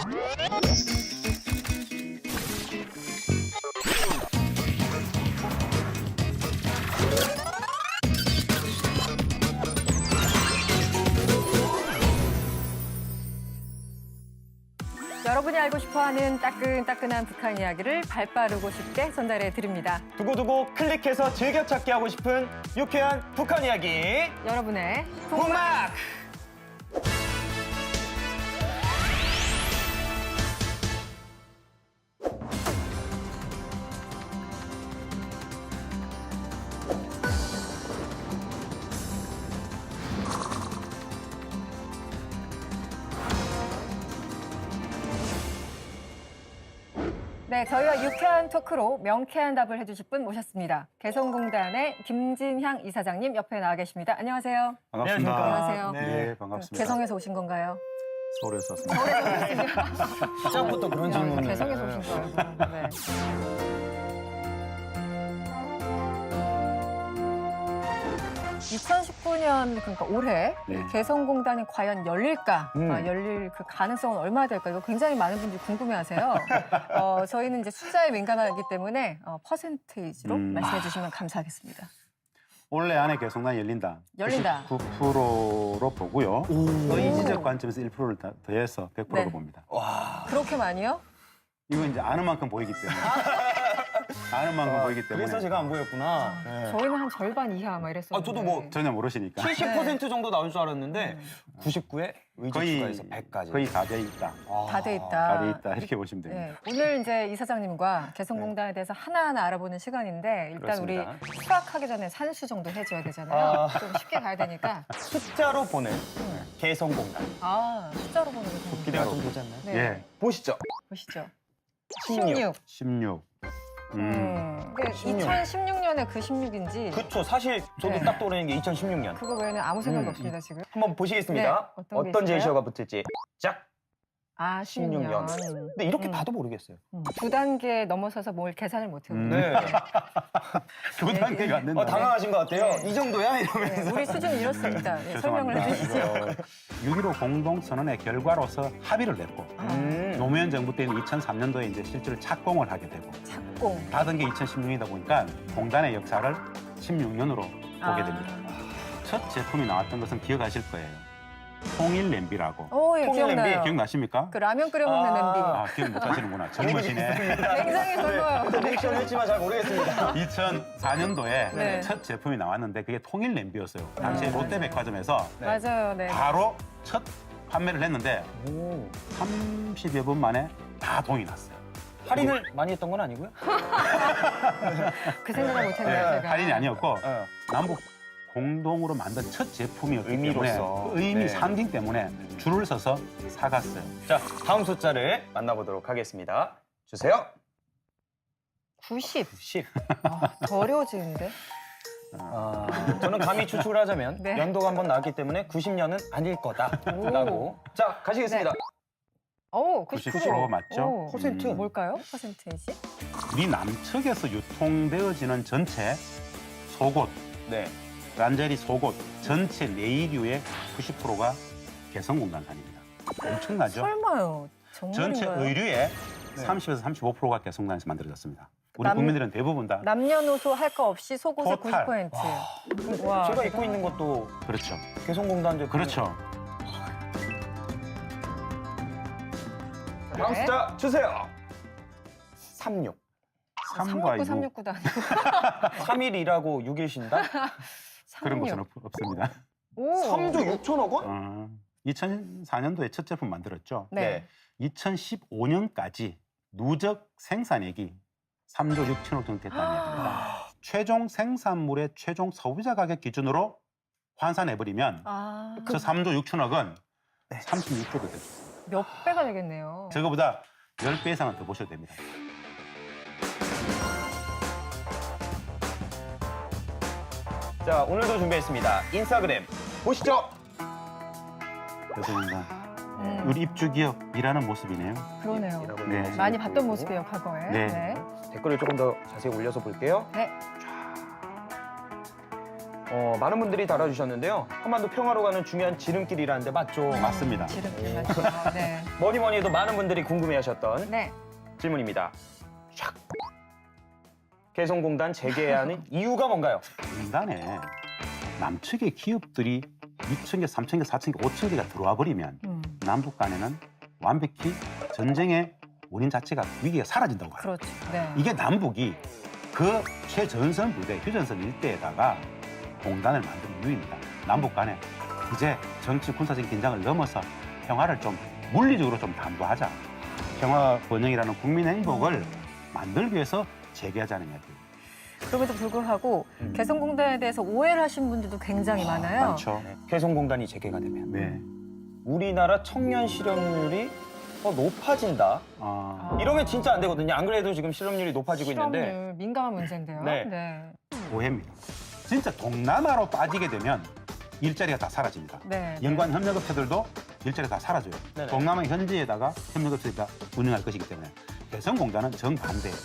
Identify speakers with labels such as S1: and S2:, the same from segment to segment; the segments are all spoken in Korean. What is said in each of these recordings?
S1: 여러분이 알고 싶어하는 따끈따끈한 북한 이야기를 발빠르고 쉽게 전달해 드립니다.
S2: 두고두고 클릭해서 즐겨찾기 하고 싶은 유쾌한 북한 이야기.
S1: 여러분의
S2: 북막!
S1: 네, 저희와 유쾌한 토크로 명쾌한 답을 해주실 분 모셨습니다. 개성공단의 김진향 이사장님 옆에 나와 계십니다. 안녕하세요.
S3: 반갑습니다.
S1: 안녕하세요.
S3: 네, 반갑습니다.
S1: 개성에서 오신 건가요?
S3: 서울에서 왔습니다.
S2: 시작부터 그런 질문을.
S1: 개성에서 오신 거예요. 네. 2019년 그러니까 올해
S3: 네.
S1: 개성공단이 과연 열릴까?
S2: 음.
S1: 열릴 그 가능성은 얼마나 될까? 이거 굉장히 많은 분들이 궁금해하세요. 저희는 이제 숫자에 민감하기 때문에 퍼센테이지로 말씀해 주시면 감사하겠습니다.
S3: 올해 안에 개성단이 열린다.
S1: 열린다.
S3: 99%로 보고요. 의지적 관점에서 1%를 더해서 100%로
S1: 네.
S3: 봅니다.
S1: 그렇게 많이요?
S3: 이거 이제 아는 만큼 보이기 때문에. 아는 만큼 보이기 때문에.
S2: 그래서 제가 안 보였구나. 네.
S1: 저희는 한 절반 이하 막 이랬었는데.
S2: 아, 저도 뭐
S3: 전혀 모르시니까.
S2: 70% 정도 나올 줄 알았는데 99에 의지 추가해서 100까지.
S3: 거의 다 돼 있다.
S1: 다 돼 있다.
S3: 다 돼 있다. 이렇게 보시면 됩니다.
S1: 네, 오늘 이제 이사장님과 개성공단에 대해서 하나하나 알아보는 시간인데 일단
S2: 그렇습니다.
S1: 우리 수학하기 전에 산수 정도 해줘야 되잖아요. 좀 쉽게 가야 되니까.
S2: 숫자로 보는 개성공단.
S1: 숫자로 보는 게 좀.
S2: 기대가 좀 되지 않나요?
S1: 네,
S3: 예,
S2: 보시죠.
S1: 보시죠.
S2: 16.
S3: 16.
S1: 근데
S2: 16.
S1: 2016년에 그 16인지
S2: 그쵸. 사실 저도
S1: 네.
S2: 딱 떠오르는 게 2016년.
S1: 그거 외에는 아무 생각이 없습니다, 지금.
S2: 한번 보시겠습니다.
S1: 네, 어떤 게
S2: 어떤
S1: 있을까요?
S2: 제시어가 붙을지. 짝.
S1: 16년.
S2: 근데 이렇게 봐도 모르겠어요.
S1: 두 단계 넘어서서 뭘 계산을 못해요.
S2: 네.
S3: 두 단계가 안 된다.
S2: 당황하신 것 같아요.
S1: 네.
S2: 이 정도야?
S1: 네,
S2: 이러면서.
S1: 우리 수준이 이렇습니다. 네, 설명을
S3: 죄송합니다.
S1: 해주시죠.
S3: 6.15 공동선언의 결과로서 합의를 냈고 노무현 정부 때는 2003년도에 이제 실제로 착공을 하게 되고
S1: 착공.
S3: 받은 게 2016년이다 보니까 공단의 역사를 16년으로 보게 됩니다. 첫 제품이 나왔던 것은 기억하실 거예요. 통일 냄비라고.
S1: 오, 예,
S2: 통일
S1: 기억나요.
S2: 냄비
S3: 기억나십니까?
S1: 그 라면 끓여 먹는 냄비.
S3: 아, 기억 못 하시는구나. 젊으시네.
S1: 굉장히 젊어요.
S2: 리액션 했지만 잘 모르겠습니다.
S3: 2004년도에
S1: 네.
S3: 첫 제품이 나왔는데 그게 통일 냄비였어요. 당시에 롯데백화점에서
S2: 네.
S1: 맞아요, 네.
S3: 바로 첫 판매를 했는데
S2: 오.
S3: 30여 분 만에 다 동이 났어요.
S2: 할인을 많이 했던 건 아니고요?
S1: 그 생각을 못했네요, 제가.
S3: 할인이 아니었고
S2: 네.
S3: 남북 공동으로 만든 첫 제품이었기
S2: 의미로서.
S3: 때문에 그 의미
S2: 네.
S3: 상징 때문에 줄을 서서 사갔어요.
S2: 자, 다음 숫자를 만나보도록 하겠습니다. 주세요.
S1: 90.
S2: 10.
S1: 더 어려워지는데?
S2: 저는 감히 추측을 하자면
S1: 네.
S2: 연도가 한번 나왔기 때문에 90년은 아닐 거다라고. 자, 가시겠습니다.
S1: 오,
S3: 90% 맞죠?
S1: 오,
S2: 퍼센트.
S1: 뭘까요? 퍼센테이지?
S3: 우리 남측에서 유통되어지는 전체 속옷,
S2: 네.
S3: 란제리 속옷 전체 내의류의 90%가 개성공단산입니다. 엄청나죠?
S1: 설마요.
S3: 전체
S1: 정말인가요?
S3: 의류의
S2: 네.
S3: 30에서 35%가 개성공단에서 만들어졌습니다. 우리
S1: 남-
S3: 국민들은 대부분 다
S1: 남녀노소 할 거 없이 속옷의
S3: 토탈.
S1: 90%. 와,
S2: 제가 입고 있는 것도
S3: 그렇죠.
S2: 개성공단 제품.
S3: 그렇죠.
S2: 다음
S1: 네.
S2: 숫자 주세요. 36.
S3: 3과 6
S1: 369도 아니고
S2: 3일이라고 6일 쉰다?
S3: 그런
S1: 36.
S3: 것은 없습니다.
S1: 오.
S2: 3조 6천억 원?
S3: 2004년도에 첫 제품 만들었죠.
S1: 네.
S3: 2015년까지 누적 생산액이 3조 6천억 정도 됐다는 얘기입니다. 최종 생산물의 최종 소비자 가격 기준으로 환산해버리면
S1: 아,
S3: 저 3조 6천억은 36조가 되죠.
S1: 몇 배가 되겠네요.
S3: 저거보다 10배 이상은 더 보셔도 됩니다.
S2: 자, 오늘도 준비했습니다. 인스타그램 보시죠.
S3: 그래서
S1: 음,
S3: 우리 입주 기업 일하는 모습이네요.
S1: 그러네요.
S3: 네.
S1: 많이 봤던 모습이에요, 과거에.
S3: 네.
S2: 댓글을 조금 더 자세히 올려서 볼게요.
S1: 네.
S2: 많은 분들이 달아주셨는데요. 한반도 평화로 가는 중요한 지름길이라는데 맞죠?
S3: 맞습니다.
S1: 지름길 맞죠. 네.
S2: 뭐니 해도 많은 분들이 궁금해하셨던
S1: 네.
S2: 질문입니다. 샥. 개성공단 재개해야 하는 이유가 뭔가요?
S3: 공단에 남측의 기업들이 2,000개, 3,000개, 4,000개, 5,000개가 들어와 버리면 남북 간에는 완벽히 전쟁의 원인 자체가 위기가 사라진다고 봐요.
S1: 그렇죠. 네.
S3: 이게 남북이 그 최전선 부대, 휴전선 일대에다가 공단을 만든 이유입니다. 남북 간에 이제 정치, 군사적인 긴장을 넘어서 평화를 좀 물리적으로 좀 담보하자. 평화 번영이라는 국민의 행복을 만들기 위해서 재개하자는 이야기예요.
S1: 그럼에도 불구하고 개성공단에 대해서 오해를 하신 분들도 굉장히 많아요.
S3: 많죠.
S2: 개성공단이 재개가 되면
S3: 네.
S2: 우리나라 청년 실업률이 더 높아진다. 이러면 진짜 안 되거든요. 안 그래도 지금 실업률이 높아지고 있는데
S1: 실업률 민감한 문제인데요.
S2: 네.
S3: 오해입니다. 진짜 동남아로 빠지게 되면 일자리가 다 사라집니다.
S1: 네.
S3: 연관 협력업체들도 일자리가 다 사라져요.
S2: 네네.
S3: 동남아 현지에다가 협력업체들이 다 운영할 것이기 때문에 개성공단은 정반대예요.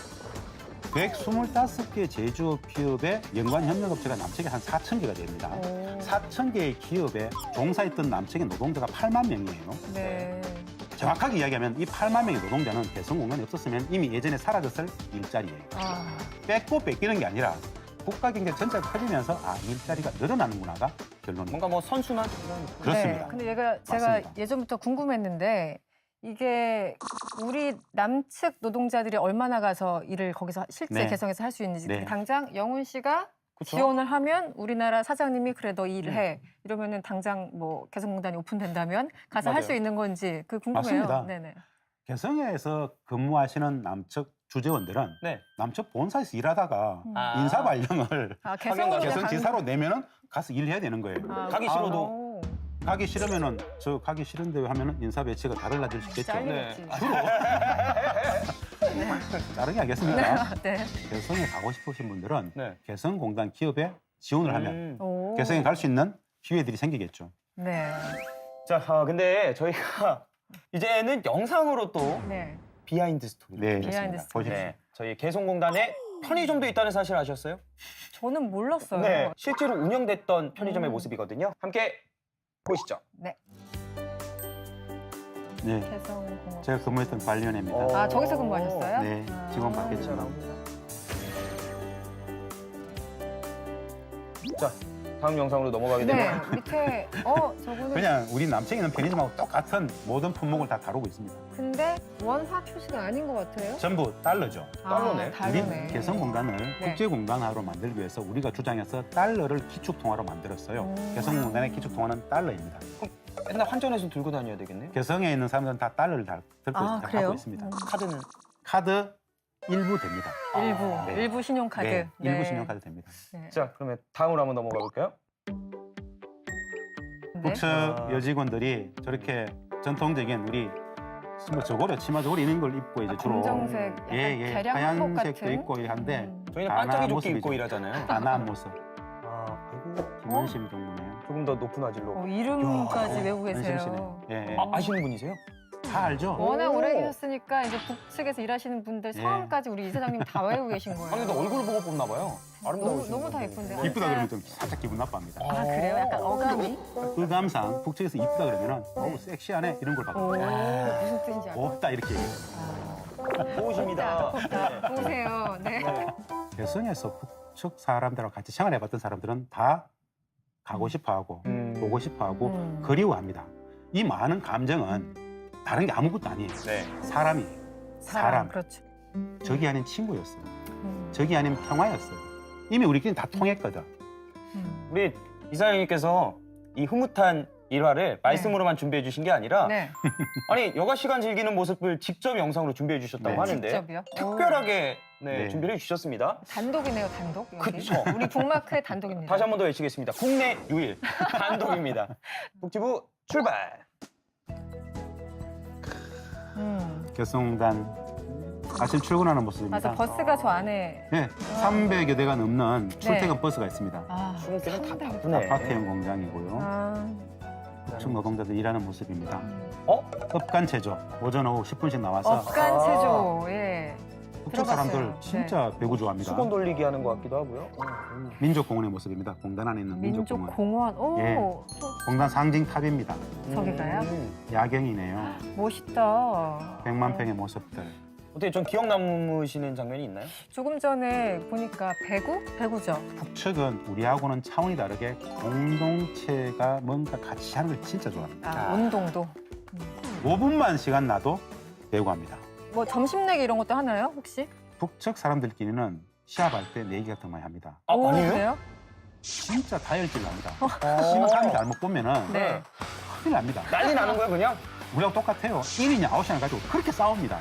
S3: 125개 제조업 기업의 연관 협력업체가 남측에 한 4,000개가 됩니다.
S1: 오.
S3: 4,000개의 기업에 종사했던 남측의 노동자가 8만 명이에요.
S1: 네.
S3: 정확하게 이야기하면 이 8만 명의 노동자는 개성공단이 없었으면 이미 예전에 사라졌을 일자리예요.
S1: 아,
S3: 뺏고 뺏기는 게 아니라 국가 경제 전체가 커지면서 일자리가 늘어나는구나가 결론입니다.
S2: 뭔가 뭐 선순환 이런
S3: 그렇습니다.
S1: 네. 근데 제가
S3: 맞습니다.
S1: 예전부터 궁금했는데 이게 우리 남측 노동자들이 얼마나 가서 일을 거기서 실제
S3: 네.
S1: 개성에서 할 수 있는지
S3: 네.
S1: 당장 영훈 씨가
S2: 그쵸?
S1: 지원을 하면 우리나라 사장님이 그래 너 일해 이러면은 당장 뭐 개성공단이 오픈된다면 가서 할
S2: 맞아요.
S1: 수 있는 건지 그 궁금해요.
S3: 맞습니다.
S1: 네네.
S3: 개성에서 근무하시는 남측 주재원들은
S2: 네.
S3: 남측 본사에서 일하다가
S2: 아.
S3: 인사 발령을
S1: 아
S2: 개성
S3: 개성지사로 내면은 가서 일해야 되는 거예요.
S2: 가기 싫어도.
S3: 가기 싫으면은 저 가기 싫은데 하면은 인사 배치가 다 달라질 수 있겠죠.
S1: 잘리겠지.
S3: 주로 자르게 하겠습니다.
S1: 네.
S3: 개성에 가고 싶으신 분들은
S2: 네.
S3: 개성공단 기업에 지원을 하면
S1: 오.
S3: 개성에 갈 수 있는 기회들이 생기겠죠.
S1: 네.
S2: 자, 근데 저희가 이제는 영상으로 또
S1: 네.
S2: 비하인드 스토리를
S3: 네,
S2: 보겠습니다.
S1: 비하인드 스토리.
S3: 보십시오.
S2: 네, 저희 개성공단에 편의점도 있다는 사실 아셨어요?
S1: 저는 몰랐어요.
S2: 네, 실제로 운영됐던 편의점의
S1: 음.
S2: 모습이거든요. 함께 보시죠.
S1: 네.
S3: 네,
S1: 개성공업.
S3: 제가 근무했던 관련입니다.
S2: 어.
S1: 아 저기서 근무하셨어요?
S3: 네, 직원 받겠지만.
S2: 자, 다음 영상으로 넘어가게
S1: 네.
S2: 되면
S1: 밑에 저거는
S3: 그냥 우리 남측에 있는 편의점하고 똑같은 모든 품목을 다 다루고 있습니다.
S1: 근데 원화 표시가 아닌 것 같아요.
S3: 전부 달러죠.
S2: 달러네.
S1: 아, 다르네.
S3: 우리 개성공단을
S1: 네.
S3: 국제공단화로 만들기 위해서 우리가 주장해서 달러를 기축통화로 만들었어요. 개성공단의 기축통화는 달러입니다.
S2: 맨날 환전해서 들고 다녀야 되겠네요.
S3: 개성에 있는 사람들은 다 달러를 다 들고
S1: 아, 그래요?
S3: 갖고 있습니다.
S2: 카드는
S3: 카드 일부 됩니다.
S1: 일부
S3: 네.
S1: 일부 신용카드.
S3: 네, 일부 신용카드 됩니다.
S1: 네.
S2: 자, 그러면 다음으로 한번 넘어가 볼까요?
S1: 네.
S3: 북측 여직원들이 저렇게 전통적인 우리 뭐 저고려 치마 저고리 이런 걸 입고 이제 주로
S1: 검정색, 약간 개량 한복
S3: 하얀색도
S1: 같은.
S3: 입고 한데
S2: 저희는
S3: 단아한
S2: 반짝이 조끼
S3: 모습이죠.
S2: 입고 일하잖아요.
S3: 단아한 모습.
S2: 아이고,
S3: 김원심 정도네요.
S2: 조금 더 높은 화질로.
S1: 이름까지
S3: 야,
S1: 외우고
S3: 원심
S1: 계세요.
S3: 씨네. 예, 예.
S2: 아시는 분이세요?
S3: 다 알죠?
S1: 워낙
S2: 오.
S1: 오래 계셨으니까 이제 북측에서 일하시는 분들
S3: 예.
S1: 성함까지 우리 이사장님 다 외우고 계신 거예요.
S2: 아니, 근데 얼굴 보고 뽑나 봐요. 아름다우신
S1: 너무 다
S2: 분들.
S1: 예쁜데요?
S2: 네.
S3: 이쁘다 그러면 좀 살짝 기분 나빠합니다.
S1: 아 그래요? 약간 어감이?
S3: 의감상 북측에서 이쁘다 그러면은 어우 섹시하네 이런 걸
S1: 오,
S3: 받거든요.
S1: 무슨 뜻인지 알아요?
S3: 곱다 이렇게 얘기해요.
S2: 좋으십니다.
S1: 보세요. 네.
S3: 개성에서 북측 사람들하고 같이 생활해봤던 사람들은 다 가고 싶어하고 보고 싶어하고 그리워합니다. 이 많은 감정은 다른 게 아무것도 아니에요.
S2: 네.
S3: 사람이에요. 사람.
S1: 그렇죠.
S3: 적이 아닌 친구였어요. 적이 아닌 평화였어요. 이미 우리끼리 다 통했거든.
S2: 우리 이사장님께서 이 흐뭇한 일화를 말씀으로만 준비해 주신 게 아니라
S1: 네.
S2: 아니 여가 시간 즐기는 모습을 직접 영상으로 준비해 주셨다고
S3: 네.
S2: 하는데
S1: 직접이요?
S2: 특별하게
S3: 네.
S2: 준비를 해 주셨습니다.
S1: 단독이네요, 단독. 여기.
S2: 그쵸.
S1: 우리 북마크의 단독입니다.
S2: 다시 한 번 더 외치겠습니다. 국내 유일 단독입니다. 북지부 출발.
S3: 개성공단 아침 출근하는 모습입니다.
S1: 맞아, 버스가 저 안에.
S3: 네, 300여 대가 넘는 출퇴근 버스가 있습니다.
S1: 아,
S2: 출근길은 다
S1: 300.
S2: 바쁘네.
S3: 아파트형 공장이고요.
S1: 아,
S3: 북측 노동자들 일하는 모습입니다.
S2: 어?
S3: 업간 체조 오전 오후 10분씩 나와서
S1: 업간 체조. 예.
S3: 북측 사람들
S1: 들어봤어요.
S3: 진짜 배구 좋아합니다.
S2: 수건 돌리기 하는 것 같기도 하고요.
S3: 민족공원의 모습입니다. 공단 안에 있는 민족공원.
S1: 민족공원. 오,
S3: 예. 공단 상징탑입니다.
S1: 저기가요?
S3: 야경이네요.
S1: 멋있다.
S3: 100만 평의 모습들.
S2: 어떻게 좀 기억 남으시는 장면이 있나요?
S1: 조금 전에 보니까 배구죠.
S3: 북측은 우리하고는 차원이 다르게 공동체가 뭔가 같이 하는 걸 진짜 좋아합니다.
S1: 아, 운동도.
S3: 5분만 시간 나도 배구합니다.
S1: 뭐 점심 내기 이런 것도 하나요, 혹시?
S3: 북측 사람들끼리는 시합할 때 내기 같은 거 많이 합니다.
S2: 아,
S1: 오,
S2: 아니에요?
S1: 그래요?
S3: 진짜 다혈질 납니다. 심판이 잘못 보면은
S1: 네.
S3: 큰일 납니다.
S2: 난리 나는 거야 그냥?
S3: 우리하고 똑같아요. 1이냐 9이냐 가지고 그렇게 싸웁니다.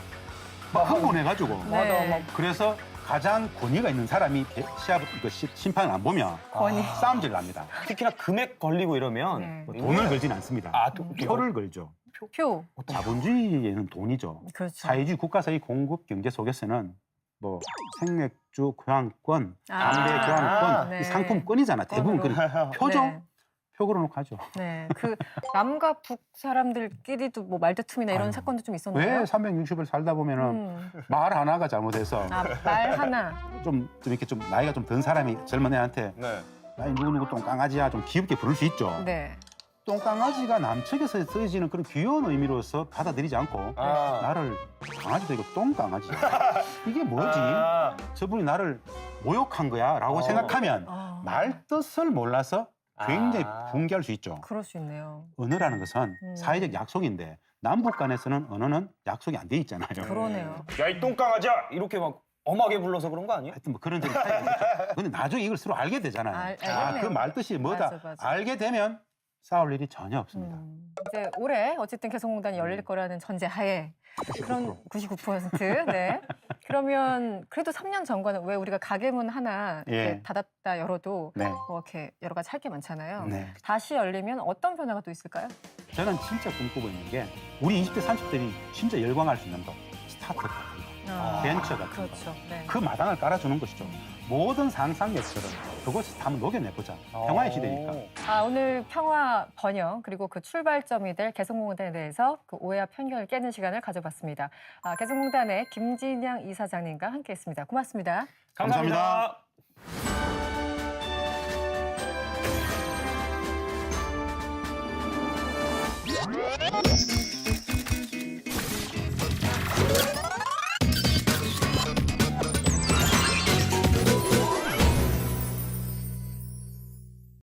S3: 막 흥분해가지고.
S1: 네.
S2: 막
S3: 그래서 가장 권위가 있는 사람이 시합 심판을 안 보면
S1: 권위.
S3: 싸움질 납니다.
S2: 특히나 금액 걸리고 이러면
S1: 네.
S3: 뭐 돈을 걸진 않습니다. 표를 걸죠.
S1: 표.
S3: 자본주의에는 돈이죠.
S1: 그렇죠.
S3: 사회주의 국가사의 공급 경제 속에서는 뭐 생맥주 교환권, 담배
S1: 아,
S3: 교환권,
S1: 네.
S3: 이 상품권이잖아. 대부분 그 표죠.
S1: 네.
S3: 표 걸어놓고 하죠.
S1: 네. 그 남과 북 사람들끼리도 뭐 말다툼이나 이런
S3: 아유,
S1: 사건도 좀
S3: 왜
S1: 있었나요?
S3: 360을 살다 보면은 말 하나가 잘못해서
S1: 아, 말 하나.
S3: 좀 이렇게 좀 나이가 좀 든 사람이 젊은 애한테
S2: 네.
S3: 야, 누구 똥강아지야 좀 귀엽게 부를 수 있죠.
S1: 네.
S3: 똥강아지가 남측에서 쓰여지는 그런 귀여운 의미로서 받아들이지 않고
S2: 아.
S3: 나를 강아지도 아니고 똥강아지야. 이게 뭐지?
S2: 아.
S3: 저분이 나를 모욕한 거야 라고 생각하면
S1: 아,
S3: 말 뜻을 몰라서 굉장히
S2: 아.
S3: 붕괴할 수 있죠.
S1: 그럴 수 있네요.
S3: 언어라는 것은 사회적 약속인데 남북 간에서는 언어는 약속이 안 돼 있잖아요.
S1: 그러네요.
S2: 야, 이 똥강아지야! 이렇게 막 엄하게 불러서 그런 거 아니에요?
S3: 하여튼 뭐 그런 점이 차이가 있죠. 근데 나중에 이걸 서로 알게 되잖아요.
S1: 알겠네요.
S3: 그 말뜻이 뭐다.
S1: 맞아.
S3: 알게 되면 싸울 일이 전혀 없습니다.
S1: 이제 올해 어쨌든 개성공단이 열릴 거라는 전제 하에 그런 99%. 네. 그러면 그래도 3년 전과는 왜 우리가 가게문 하나 이렇게
S3: 예.
S1: 닫았다 열어도
S3: 네.
S1: 뭐 이렇게 여러 가지 할 게 많잖아요.
S3: 네.
S1: 다시 열리면 어떤 변화가 또 있을까요?
S3: 저는 진짜 꿈꾸고 있는 게 우리 20대, 30대들이 진짜 열광할 수 있는 거. 스타트업 같은 거, 벤처 같은 거.
S1: 그렇죠. 네.
S3: 그 마당을 깔아주는 것이죠. 모든 상상력들은 그것을 한번 녹여내보자. 평화의 시대니까.
S1: 아, 오늘 평화 번영 그리고 그 출발점이 될 개성공단에 대해서 그 오해와 편견을 깨는 시간을 가져봤습니다. 아, 개성공단의 김진양 이사장님과 함께했습니다. 고맙습니다.
S2: 감사합니다.
S3: 감사합니다.